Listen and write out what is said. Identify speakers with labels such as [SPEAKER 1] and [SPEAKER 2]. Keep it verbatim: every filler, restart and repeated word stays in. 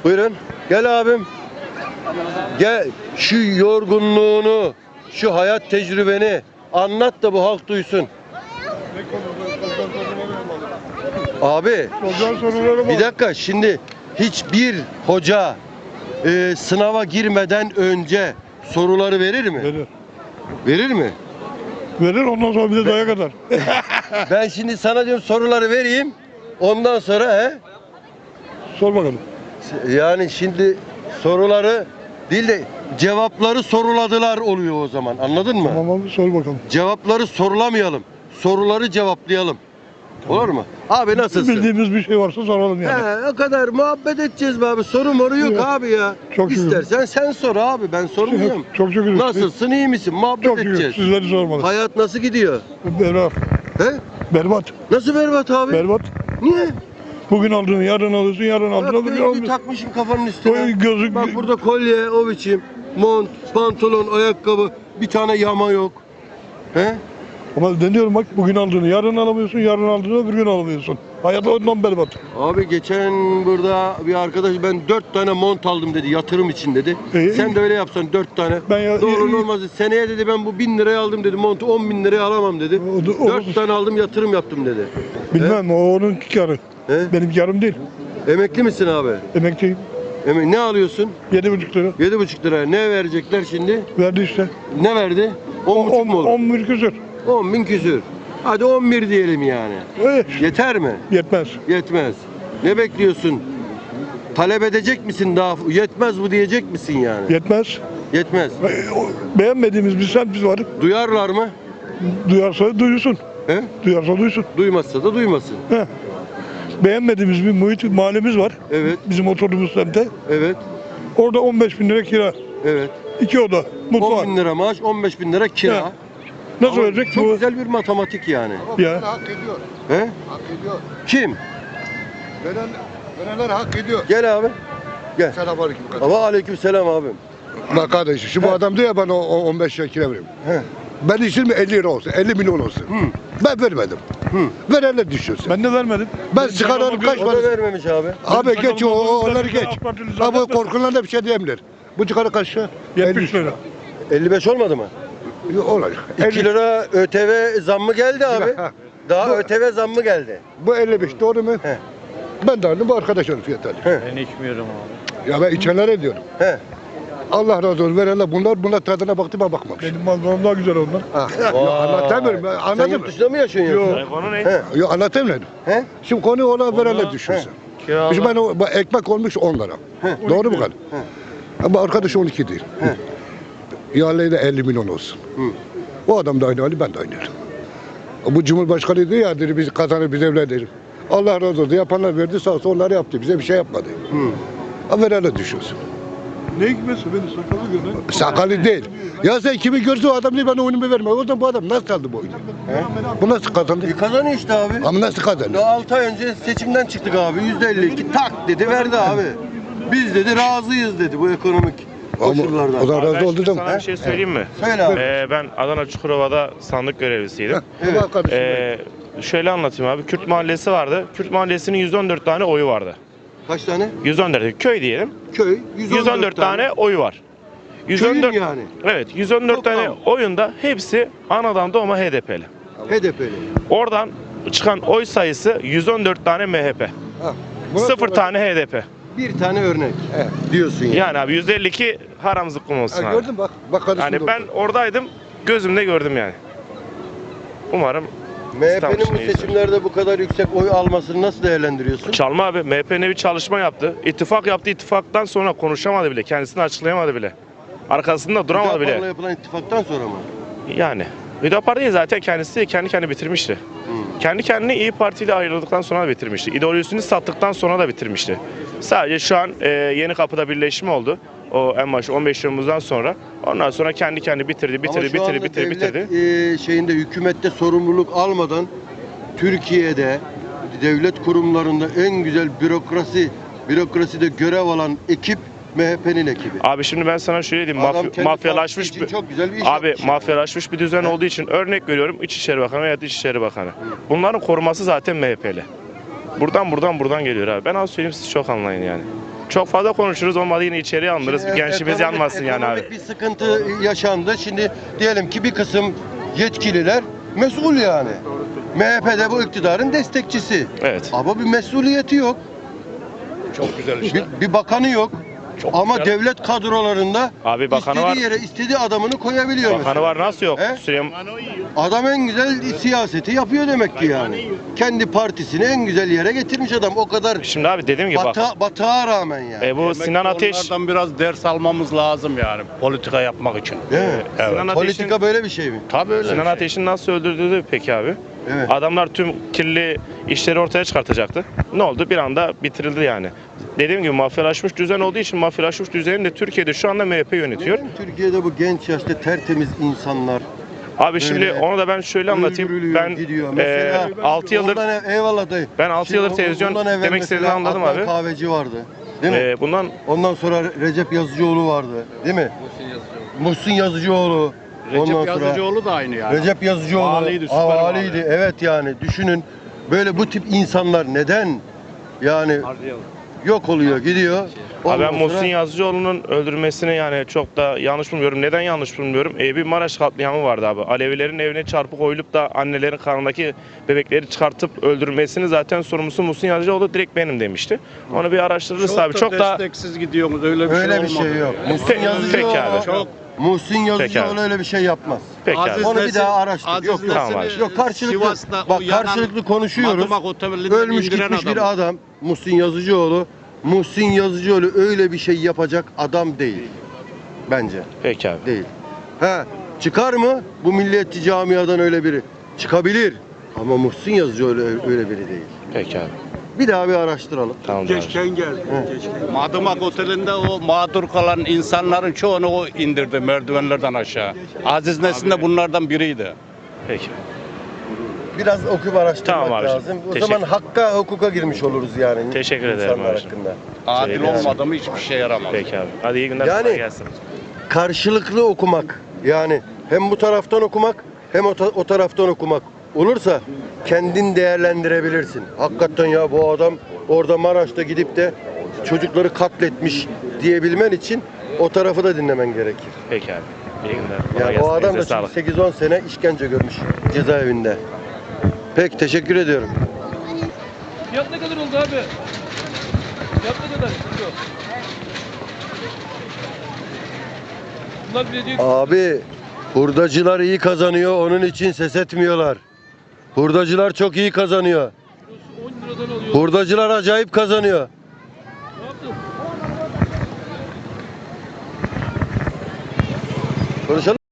[SPEAKER 1] Buyurun. Gel abim. Gel. Şu yorgunluğunu, şu hayat tecrübeni anlat da bu halk duysun. Abi, bir dakika, şimdi hiçbir hoca e, sınava girmeden önce soruları verir mi?
[SPEAKER 2] Verir.
[SPEAKER 1] Verir mi?
[SPEAKER 2] Verir ondan sonra bir de dayak atar.
[SPEAKER 1] Ben şimdi sana diyorum soruları vereyim. Ondan sonra he?
[SPEAKER 2] Sor bakalım.
[SPEAKER 1] Yani şimdi soruları değil de cevapları soruladılar oluyor o zaman. Anladın mı?
[SPEAKER 2] Tamam abi sor bakalım.
[SPEAKER 1] Cevapları sorulamayalım. Soruları cevaplayalım. Olur mu? Abi nasılsın?
[SPEAKER 2] Bildiğimiz bir şey varsa soralım yani.
[SPEAKER 1] He, o kadar muhabbet edeceğiz be abi. Soru moru yok
[SPEAKER 2] Yok.
[SPEAKER 1] abi ya.
[SPEAKER 2] Çok şükür.
[SPEAKER 1] İstersen sen sor abi. Ben sormuyorum.
[SPEAKER 2] Çok şükür.
[SPEAKER 1] Nasılsın? İyi misin? Muhabbet
[SPEAKER 2] Çok şükür.
[SPEAKER 1] edeceğiz.
[SPEAKER 2] Sizleri sormalı.
[SPEAKER 1] Hayat nasıl gidiyor?
[SPEAKER 2] Berbat.
[SPEAKER 1] He?
[SPEAKER 2] Berbat.
[SPEAKER 1] Nasıl berbat abi?
[SPEAKER 2] Berbat.
[SPEAKER 1] Niye?
[SPEAKER 2] Bugün aldığını yarın alıyorsun, yarın
[SPEAKER 1] Bak
[SPEAKER 2] aldığını bugün
[SPEAKER 1] gözlüğü
[SPEAKER 2] almıyorsun.
[SPEAKER 1] takmışım kafanın üstüne.
[SPEAKER 2] Oy, gözlük-
[SPEAKER 1] Bak burada kolye o biçim. Mont, pantolon, ayakkabı. Bir tane yama yok. He?
[SPEAKER 2] Ama deniyorum bak bugün aldığını yarın alamıyorsun, yarın aldığını öbür gün alamıyorsun. Hayat ondan berbat.
[SPEAKER 1] Abi geçen burada bir arkadaş ben dört tane mont aldım dedi yatırım için dedi.
[SPEAKER 2] Ee,
[SPEAKER 1] Sen de öyle yapsan dört tane.
[SPEAKER 2] Ben ya-
[SPEAKER 1] Doğru
[SPEAKER 2] ya-
[SPEAKER 1] olmaz. Seneye dedi ben bu bin liraya aldım dedi montu on bin liraya alamam dedi.
[SPEAKER 2] O da- o-
[SPEAKER 1] Dört tane aldım yatırım yaptım dedi.
[SPEAKER 2] Bilmem o onun karı.
[SPEAKER 1] He?
[SPEAKER 2] Benim karım değil.
[SPEAKER 1] Emekli misin abi?
[SPEAKER 2] Emekliyim.
[SPEAKER 1] Emek ne alıyorsun?
[SPEAKER 2] Yedi buçuk lira.
[SPEAKER 1] Yedi buçuk liraya. Ne verecekler şimdi?
[SPEAKER 2] Verdi işte.
[SPEAKER 1] Ne verdi? On
[SPEAKER 2] On,
[SPEAKER 1] buçuk
[SPEAKER 2] on,
[SPEAKER 1] mu olur?
[SPEAKER 2] on bir küsür.
[SPEAKER 1] On bin küsür. Hadi on bir diyelim yani.
[SPEAKER 2] Evet.
[SPEAKER 1] Yeter mi?
[SPEAKER 2] Yetmez.
[SPEAKER 1] Yetmez. Ne bekliyorsun? Talep edecek misin daha? Yetmez bu diyecek misin yani?
[SPEAKER 2] Yetmez.
[SPEAKER 1] Yetmez.
[SPEAKER 2] E, o- Beğenmediğimiz bir semt var.
[SPEAKER 1] Duyarlar mı?
[SPEAKER 2] Duyarsa duysun.
[SPEAKER 1] He?
[SPEAKER 2] Duyarsa duysun.
[SPEAKER 1] Duymazsa da duymasın.
[SPEAKER 2] He. Beğenmediğimiz bir muhit mahallemiz var.
[SPEAKER 1] Evet,
[SPEAKER 2] Bizim oturduğumuz semtte.
[SPEAKER 1] evet,
[SPEAKER 2] Orada on beş bin lira kira.
[SPEAKER 1] evet.
[SPEAKER 2] İki oda.
[SPEAKER 1] on
[SPEAKER 2] Mutfak.
[SPEAKER 1] bin lira maaş, on beş bin lira kira.
[SPEAKER 2] He. Nasıl
[SPEAKER 1] Ama
[SPEAKER 2] verecek
[SPEAKER 1] Çok
[SPEAKER 2] bu?
[SPEAKER 1] güzel bir matematik yani.
[SPEAKER 2] Ya.
[SPEAKER 3] Hak ediyor.
[SPEAKER 1] He?
[SPEAKER 3] Hak ediyor.
[SPEAKER 1] Kim?
[SPEAKER 3] Veren, verenler hak ediyor.
[SPEAKER 1] Gel abi. Gel.
[SPEAKER 3] Selamünaleyküm kardeşim.
[SPEAKER 1] Ama aleyküm selam abim.
[SPEAKER 3] Bak kardeşim şu bu adam diyor ya bana o- o on beş lira kira veriyorum.
[SPEAKER 1] He.
[SPEAKER 3] Ben istedim elli lira olsun, elli milyon olsun.
[SPEAKER 1] Hı.
[SPEAKER 3] Ben vermedim.
[SPEAKER 1] Hı.
[SPEAKER 3] Verenler düşünsün.
[SPEAKER 2] Ben de vermedim.
[SPEAKER 3] Ben sigaranın kaç
[SPEAKER 1] O da
[SPEAKER 3] parası?
[SPEAKER 1] vermemiş abi.
[SPEAKER 3] Abi
[SPEAKER 2] Benim
[SPEAKER 3] geç o, o
[SPEAKER 2] sakalım
[SPEAKER 3] onları
[SPEAKER 2] olmadı,
[SPEAKER 3] geç.
[SPEAKER 2] AK Partili
[SPEAKER 3] Abi
[SPEAKER 2] zannetmesin.
[SPEAKER 3] korkularına bir şey diyemler. Bu sigara kaç lira?
[SPEAKER 2] Yetmiş lira.
[SPEAKER 1] elli beş olmadı mı?
[SPEAKER 3] elli. Olacak.
[SPEAKER 1] iki lira ÖTV zammı geldi abi.
[SPEAKER 3] Ha.
[SPEAKER 1] Daha
[SPEAKER 3] Bu-
[SPEAKER 1] ÖTV zammı geldi.
[SPEAKER 3] Bu elli beş doğru mu?
[SPEAKER 1] He.
[SPEAKER 3] Ben de aldım bu arkadaşların fiyatı alayım.
[SPEAKER 4] Ben içmiyorum abi.
[SPEAKER 3] Ya ben içenlere diyorum.
[SPEAKER 1] He.
[SPEAKER 3] Allah razı olsun verenler bunlar bunlar tadına baktı ben bakmamışım.
[SPEAKER 2] Benim mallarım daha güzel onlar.
[SPEAKER 3] Ha. Ya anlatamıyorum ben
[SPEAKER 1] Sen
[SPEAKER 3] anladın mı?
[SPEAKER 1] yurt dışında mı yaşıyorsun yoksa?
[SPEAKER 2] Yok.
[SPEAKER 4] Konu ne?
[SPEAKER 1] He.
[SPEAKER 3] Yok anlatamıyorum.
[SPEAKER 1] He?
[SPEAKER 3] Şimdi konu ona verenler düşünsün.
[SPEAKER 4] Kiralar.
[SPEAKER 3] Şimdi ben o, bak ekmek olmuş on lira.
[SPEAKER 1] He.
[SPEAKER 3] Doğru mu kadar?
[SPEAKER 1] He.
[SPEAKER 3] Ama arkadaş on iki değil.
[SPEAKER 1] He.
[SPEAKER 3] İhaleyi de elli milyon olsun.
[SPEAKER 1] Hı.
[SPEAKER 3] O adam da aynı hali ben de aynı hali. Bu Cumhurbaşkanı diyor ya dedi biz kazanır biz evleniriz. Allah razı olsun yapanlar verdi sağ olsun onları yaptı bize bir şey yapmadı.
[SPEAKER 1] Hı.
[SPEAKER 3] Ama verenler düşünsün.
[SPEAKER 2] Ne hikmetse beni sakalı görün.
[SPEAKER 3] Sakalı değil. Ya sen kimi görse o adam diyor ben oyunumu verme. O zaman bu adam nasıl aldı bu oyunu? Bu nasıl kazandı?
[SPEAKER 1] E kazanıyor işte abi.
[SPEAKER 3] Ama nasıl kazandı?
[SPEAKER 1] Daha altı ay önce seçimden çıktık abi. yüzde elli iki tak dedi verdi abi. Biz dedi razıyız dedi bu ekonomik
[SPEAKER 3] Ama
[SPEAKER 1] koşullardan.
[SPEAKER 3] o zaman
[SPEAKER 4] Ben
[SPEAKER 3] razı
[SPEAKER 4] şimdi
[SPEAKER 3] oldu da.
[SPEAKER 4] sana bir şey söyleyeyim mi?
[SPEAKER 1] Söyle abi.
[SPEAKER 4] Ee, ben Adana Çukurova'da sandık görevlisiydim.
[SPEAKER 3] Evet. Bak kardeşim.
[SPEAKER 4] Ee, şöyle anlatayım abi. Kürt mahallesi vardı. Kürt mahallesinin yüz on dört tane oyu vardı.
[SPEAKER 1] Kaç tane?
[SPEAKER 4] yüz on dört köy diyelim.
[SPEAKER 1] Köy.
[SPEAKER 4] yüz on dört tane oyu var.
[SPEAKER 1] Köyün yani.
[SPEAKER 4] Evet, yüz on dört
[SPEAKER 1] Toplam.
[SPEAKER 4] tane oyunda hepsi anadan doğma H D P'li.
[SPEAKER 1] H D P'li.
[SPEAKER 4] Oradan çıkan oy sayısı yüz on dört tane M H P.
[SPEAKER 3] Ha. Buna
[SPEAKER 4] Sıfır
[SPEAKER 3] sonra-
[SPEAKER 4] tane H D P.
[SPEAKER 1] Bir tane örnek
[SPEAKER 3] Evet.
[SPEAKER 1] diyorsun yani.
[SPEAKER 4] Yani abi yüzde elli iki haram zıkkım olsun
[SPEAKER 3] Ha,
[SPEAKER 4] abi.
[SPEAKER 3] gördün bak. Bak kardeşim.
[SPEAKER 4] Yani
[SPEAKER 3] doğru.
[SPEAKER 4] ben oradaydım, gözümde gördüm yani. Umarım
[SPEAKER 1] M H
[SPEAKER 4] İstanbul
[SPEAKER 1] P'nin bu
[SPEAKER 4] için
[SPEAKER 1] seçimlerde bu kadar yüksek oy almasını nasıl değerlendiriyorsun?
[SPEAKER 4] Çalma abi, M H P ne bir çalışma yaptı. İttifak yaptı, ittifaktan sonra konuşamadı bile, kendisini açıklayamadı bile. Arkasında duramadı
[SPEAKER 1] Hüdapar'la
[SPEAKER 4] bile.
[SPEAKER 1] yapılan ittifaktan sonra mı?
[SPEAKER 4] Yani. Hüdapar değil zaten kendisi kendi kendini bitirmişti.
[SPEAKER 1] Hı.
[SPEAKER 4] Kendi kendini İyi Parti ile ayrıldıktan sonra da bitirmişti. İdeolojisini sattıktan sonra da bitirmişti. Sadece şu an e, Yeni Kapı'da birleşme oldu. O en başı on beş Temmuz'dan sonra. Ondan sonra kendi kendini bitirdi, bitirdi,
[SPEAKER 1] Ama şu
[SPEAKER 4] bitirdi,
[SPEAKER 1] anda
[SPEAKER 4] bitirdi,
[SPEAKER 1] devlet,
[SPEAKER 4] bitirdi.
[SPEAKER 1] e, şeyinde hükümette sorumluluk almadan Türkiye'de devlet kurumlarında en güzel bürokrasi bürokraside görev alan ekip M H P'nin ekibi.
[SPEAKER 4] Abi şimdi ben sana şöyle diyeyim,
[SPEAKER 1] Adam
[SPEAKER 4] mafya-
[SPEAKER 1] kendi
[SPEAKER 4] mafyalaşmış
[SPEAKER 1] partisi için
[SPEAKER 4] bir
[SPEAKER 1] çok güzel bir iş
[SPEAKER 4] abi
[SPEAKER 1] yapmış.
[SPEAKER 4] mafyalaşmış bir düzen olduğu için örnek veriyorum İçişleri Bakanı veya Dışişleri Bakanı. Bunların koruması zaten M H P'li. Buradan buradan buradan geliyor abi. Ben az söyleyeyim siz çok anlayın yani. Çok fazla konuşuruz, olmadı yine içeriye alınırız.
[SPEAKER 1] Şimdi
[SPEAKER 4] Gençliğimiz
[SPEAKER 1] ekonomik-
[SPEAKER 4] yanmasın yani abi.
[SPEAKER 1] ekonomik bir sıkıntı yaşandı. Şimdi diyelim ki bir kısım yetkililer mesul yani. M H P de bu iktidarın destekçisi.
[SPEAKER 4] Evet.
[SPEAKER 1] Ama bir mesuliyeti yok.
[SPEAKER 3] Çok güzel
[SPEAKER 1] Bir, bir bakanı yok. Ama
[SPEAKER 3] güzel.
[SPEAKER 1] devlet kadrolarında
[SPEAKER 4] Abi bakanı
[SPEAKER 1] istediği
[SPEAKER 4] var.
[SPEAKER 1] yere istediği adamını koyabiliyor
[SPEAKER 4] Bakanı
[SPEAKER 1] mesela.
[SPEAKER 4] var, nasıl yok?
[SPEAKER 1] He?
[SPEAKER 4] Süleyman,
[SPEAKER 1] Adam en güzel siyaseti yapıyor demek ki yani. Kendi partisini en güzel yere getirmiş adam. O kadar
[SPEAKER 4] şimdi abi dediğim gibi bak.
[SPEAKER 1] bata, batağa rağmen yani.
[SPEAKER 4] E, bu Sinan Ateş,
[SPEAKER 5] Onlardan biraz ders almamız lazım yani politika yapmak için.
[SPEAKER 1] Değil mi?
[SPEAKER 5] Evet.
[SPEAKER 4] Sinan Ateş'in,
[SPEAKER 1] Politika böyle bir şey mi?
[SPEAKER 5] Tabii öyle.
[SPEAKER 4] Sinan
[SPEAKER 5] bir şey.
[SPEAKER 4] Ateş'in nasıl öldürdüğü peki abi?
[SPEAKER 1] Evet.
[SPEAKER 4] Adamlar tüm kirli işleri ortaya çıkartacaktı. Ne oldu? Bir anda bitirildi yani. Dediğim gibi mafyalaşmış düzen olduğu için mafyalaşmış düzeni de Türkiye'de şu anda M H P yönetiyor.
[SPEAKER 1] Neden Türkiye'de bu genç yaşta tertemiz insanlar
[SPEAKER 4] Abi şimdi
[SPEAKER 1] Böyle
[SPEAKER 4] onu da ben şöyle anlatayım.
[SPEAKER 1] öldürülüyor,
[SPEAKER 4] Ben
[SPEAKER 1] gidiyor.
[SPEAKER 4] e,
[SPEAKER 1] Mesela
[SPEAKER 4] altı yıldır
[SPEAKER 1] ondan ev- eyvallah dayı.
[SPEAKER 4] ben altı
[SPEAKER 1] Şimdi
[SPEAKER 4] yıldır
[SPEAKER 1] o-
[SPEAKER 4] televizyon
[SPEAKER 1] ondan evvel
[SPEAKER 4] demek
[SPEAKER 1] mesela
[SPEAKER 4] istediğini anladım
[SPEAKER 1] Adnan
[SPEAKER 4] abi.
[SPEAKER 1] Kahveci vardı. Değil mi?
[SPEAKER 4] e, bundan
[SPEAKER 1] Ondan sonra Recep Yazıcıoğlu vardı. Değil mi? Muhsin Yazıcıoğlu. Ondan
[SPEAKER 5] Recep
[SPEAKER 1] sonra
[SPEAKER 5] Yazıcıoğlu da aynı yani.
[SPEAKER 1] Recep Yazıcıoğlu.
[SPEAKER 5] Valiydi, süper
[SPEAKER 1] Aa,
[SPEAKER 5] vali.
[SPEAKER 1] valiydi. Evet yani düşünün. Böyle bu tip insanlar neden yani yok oluyor, gidiyor.
[SPEAKER 4] Abi
[SPEAKER 1] Ondan
[SPEAKER 4] ben
[SPEAKER 1] sonra-
[SPEAKER 4] Muhsin Yazıcıoğlu'nun öldürülmesini yani çok da yanlış bulmuyorum. Neden yanlış bulmuyorum? E, bir Maraş katliamı vardı abi. Alevilerin evine çarpık koyulup da annelerin karnındaki bebekleri çıkartıp öldürülmesini zaten sorumlusu Muhsin Yazıcıoğlu direkt benim demişti. Onu bir araştırırız
[SPEAKER 5] Çok
[SPEAKER 4] abi.
[SPEAKER 5] da
[SPEAKER 4] Çok da
[SPEAKER 5] desteksiz gidiyorsunuz öyle bir
[SPEAKER 1] Öyle
[SPEAKER 5] şey
[SPEAKER 1] bir
[SPEAKER 5] olmadı.
[SPEAKER 1] şey yok.
[SPEAKER 5] yani.
[SPEAKER 1] Muhsin
[SPEAKER 4] Peki-
[SPEAKER 1] Yazıcıoğlu.
[SPEAKER 4] peki abi.
[SPEAKER 5] Çok
[SPEAKER 1] Muhsin Yazıcıoğlu
[SPEAKER 4] abi.
[SPEAKER 1] öyle bir şey yapmaz.
[SPEAKER 4] peki abi.
[SPEAKER 5] Aziz
[SPEAKER 1] Onu bir
[SPEAKER 5] Nesin-
[SPEAKER 1] daha araştır.
[SPEAKER 5] Aziz
[SPEAKER 1] Yok,
[SPEAKER 5] Nesin'i
[SPEAKER 4] tamam abi.
[SPEAKER 1] Yok karşılıklı.
[SPEAKER 5] Sivas'ta
[SPEAKER 1] Bak
[SPEAKER 5] o yanan
[SPEAKER 1] karşılıklı konuşuyoruz.
[SPEAKER 5] Madımak Oteli'nden
[SPEAKER 1] Ölmüş
[SPEAKER 5] indiren
[SPEAKER 1] gitmiş bir
[SPEAKER 5] adam.
[SPEAKER 1] adam. Muhsin Yazıcıoğlu. Muhsin Yazıcıoğlu öyle bir şey yapacak adam değil. Bence
[SPEAKER 4] Peki abi.
[SPEAKER 1] değil. He, çıkar mı bu milliyetçi camiadan öyle biri? Çıkabilir. Ama Muhsin Yazıcıoğlu öyle, öyle biri değil.
[SPEAKER 4] Peki abi.
[SPEAKER 1] Bir daha bir araştıralım.
[SPEAKER 4] Tamam abi.
[SPEAKER 5] Madımak Oteli'nde o mağdur kalan insanların çoğunu o indirdi merdivenlerden aşağı. Aziz Nesin de bunlardan biriydi.
[SPEAKER 4] Peki.
[SPEAKER 1] Biraz okuyup araştırmak
[SPEAKER 4] Tamam abiciğim,
[SPEAKER 1] lazım. O
[SPEAKER 4] teşekkür-
[SPEAKER 1] zaman hakka, hukuka girmiş oluruz yani.
[SPEAKER 4] Teşekkür ederim
[SPEAKER 1] insanlar
[SPEAKER 4] abiciğim.
[SPEAKER 1] hakkında.
[SPEAKER 5] Adil
[SPEAKER 4] Yani.
[SPEAKER 5] olmadı mı hiçbir şey yaramaz.
[SPEAKER 4] Peki abi. Hadi iyi günler.
[SPEAKER 1] Yani-
[SPEAKER 4] kolay gelsin.
[SPEAKER 1] Karşılıklı okumak. Yani hem bu taraftan okumak hem o, ta- o taraftan okumak olursa kendin değerlendirebilirsin. Hakikaten ya bu adam orada Maraş'ta gidip de çocukları katletmiş diyebilmen için o tarafı da dinlemen gerekir.
[SPEAKER 4] Peki abi. İyi günler. Kolay
[SPEAKER 1] Yani o
[SPEAKER 4] gelsin.
[SPEAKER 1] adam da
[SPEAKER 4] Elinize
[SPEAKER 1] çünkü
[SPEAKER 4] sağlık.
[SPEAKER 1] sekiz on sene işkence görmüş cezaevinde. Peki teşekkür ediyorum.
[SPEAKER 6] Fiyat ne kadar oldu abi? Fiyat ne kadar? Kilo. Bunlar bile diyor ki
[SPEAKER 1] Abi hurdacılar iyi kazanıyor onun için ses etmiyorlar. Hurdacılar çok iyi kazanıyor.
[SPEAKER 6] kilosu on liradan alıyor.
[SPEAKER 1] Hurdacılar acayip kazanıyor.
[SPEAKER 6] Ne yaptın?
[SPEAKER 1] Konuşalım.